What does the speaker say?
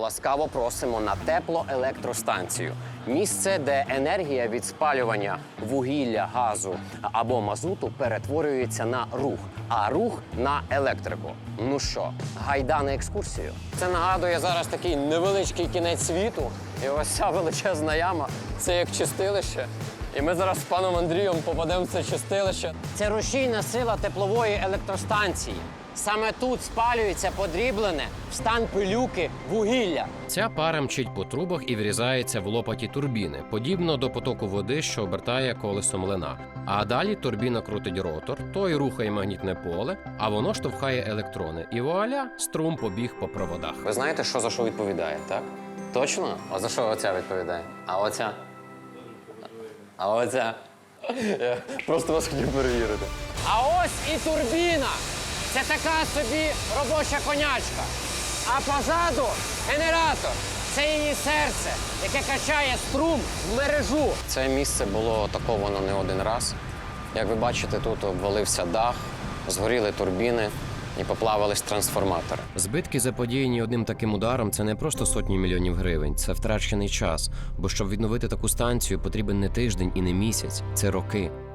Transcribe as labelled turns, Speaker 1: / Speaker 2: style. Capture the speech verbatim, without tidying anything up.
Speaker 1: ласкаво просимо на теплоелектростанцію. Місце, де енергія від спалювання вугілля, газу або мазуту перетворюється на рух, а рух на електрику. Ну що, гайда на екскурсію? Це нагадує зараз такий невеличкий кінець світу. І ось ця величезна яма – це як чистилище. І ми зараз з паном Андрієм попадемо в це чистилище. Це рушійна сила теплової електростанції. Саме тут спалюється подріблене в стан пилюки вугілля.
Speaker 2: Ця пара мчить по трубах і врізається в лопаті турбіни, подібно до потоку води, що обертає колесо млина. А далі турбіна крутить ротор, той рухає магнітне поле, а воно штовхає електрони. І вуаля, струм побіг по проводах.
Speaker 1: Ви знаєте, що за що відповідає, так? Точно? А за що оця відповідає? А оця? А оця? Я просто вас хотів перевірити. А ось і турбіна. Це така собі робоча конячка. А позаду генератор. Це її серце, яке качає струм в мережу. Це місце було атаковано не один раз. Як ви бачите, тут обвалився дах, згоріли турбіни і поплавились трансформатори.
Speaker 2: Збитки, заподіяні одним таким ударом, це не просто сотні мільйонів гривень, це втрачений час. Бо щоб відновити таку станцію, потрібен не тиждень і не місяць, це роки.